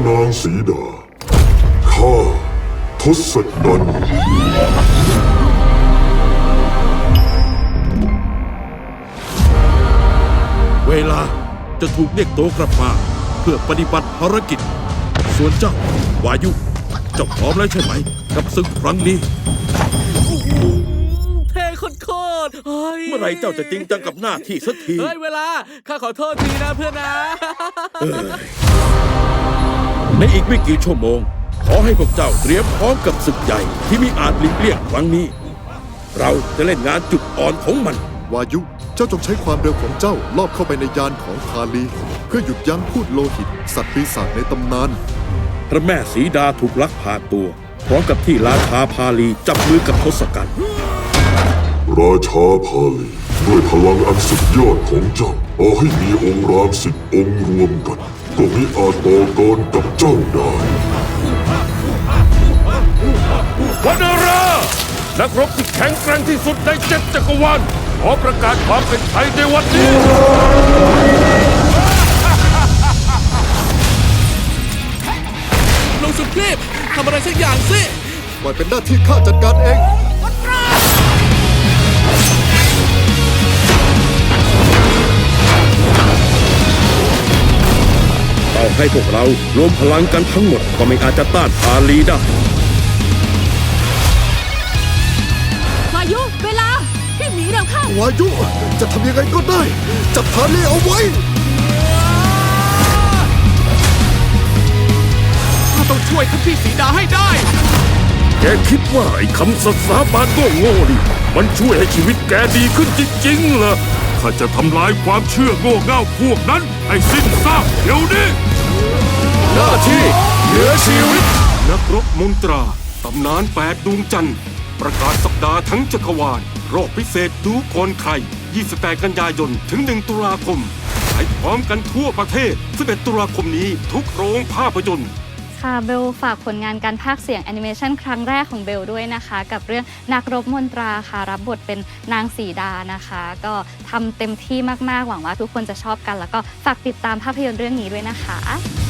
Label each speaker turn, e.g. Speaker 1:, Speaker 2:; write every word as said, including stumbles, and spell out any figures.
Speaker 1: นางสีดาข้าทศกัณฐ์
Speaker 2: เวลาจะถูกเรียกตัวกลับมาเพื่อปฏิบัติภารกิจส่วนเจ้าวายุเจ้าพร้อมแล้วใช่ไหมกับศึกครั้งนี้
Speaker 3: เท่โคตรๆเฮ้ย
Speaker 2: เมื่อไรเจ้าจะจริงจังกับหน้าที่สักที
Speaker 3: เฮ้ยเวลาข้าขอโทษทีนะเพื่อนนะ
Speaker 2: ในอีกไม่กี่ชั่วโมงขอให้พวกเจ้าเตรียมพร้อมกับศึกใหญ่ที่มีอาจหลีกเลี่ยงครั้งนี้เราจะเล่นงานจุดอ่อนของมัน
Speaker 4: วายุเจ้าจงใช้ความเร็วของเจ้าลอบเข้าไปในยานของพาลีเพื่อหยุดยั้งพูดโลหิตสัตว์ปีศาจในตำนาน
Speaker 2: พระแม่สีดาถูกลักพาตัวพร้อมกับที่ราชาพาลีจับมือกับทศกัณฐ์
Speaker 1: ราชาพาลีด้วยพลังอันสุดยอดของเจ้าเอาให้มีองค์รามสิบองค์รวมกันก็มิอาจต่อกรกับเจ้าได้
Speaker 2: วนารานักรบที่แข็งแกร่งที่สุดในเจ็ดจักรวาลขอประกาศความเป็นไทยในวันนี้
Speaker 3: ลงสุดคลิปทำอะไรสักอย่างสิ
Speaker 4: ปล่อยเป็นหน้าที่ข้าจัดการเอง
Speaker 2: ต่อให้พวกเรารวมพลังกันทั้งหมดก็ไม่อาจจะต้านพาลีได้
Speaker 5: วายุเวลาพี่หมีเร็วเข้าว
Speaker 4: ายุจะทำยังไงก็ได้จับพาลีเอาไว้
Speaker 3: ข้าต้องช่วยท่านพี่สีดาให้ได้
Speaker 2: แกคิดว่าไอ้คำสัตย์สาบานโง่ๆนี่มันช่วยให้ชีวิตแกดีขึ้นจริงๆเหรอข้าจะทำลายความเชื่อโง่เง่าพวกนั้นให้สิ้นซากเดี๋ยวนี้หน้าที่เหนือชีวิตนักรบมนตราตำนานแปดดวงจันทร์ประกาศสัปดาห์ทั้งจักรวาลรอบพิเศษดูก่อนใครยี่สิบแปดกันยายนถึงหนึ่งตุลาคมฉายพร้อมกันทั่วประเทศสิบเอ็ดตุลาคมนี้ทุกโรงภาพยนตร์
Speaker 5: ค่ะเบลฝากผลงานการพากย์เสียงแอนิเมชันครั้งแรกของเบลด้วยนะคะกับเรื่องนักรบมนตราค่ะรับบทเป็นนางสีดานะคะก็ทำเต็มที่มากๆหวังว่าทุกคนจะชอบกันแล้วก็ฝากติดตามภาพยนตร์เรื่องนี้ด้วยนะคะ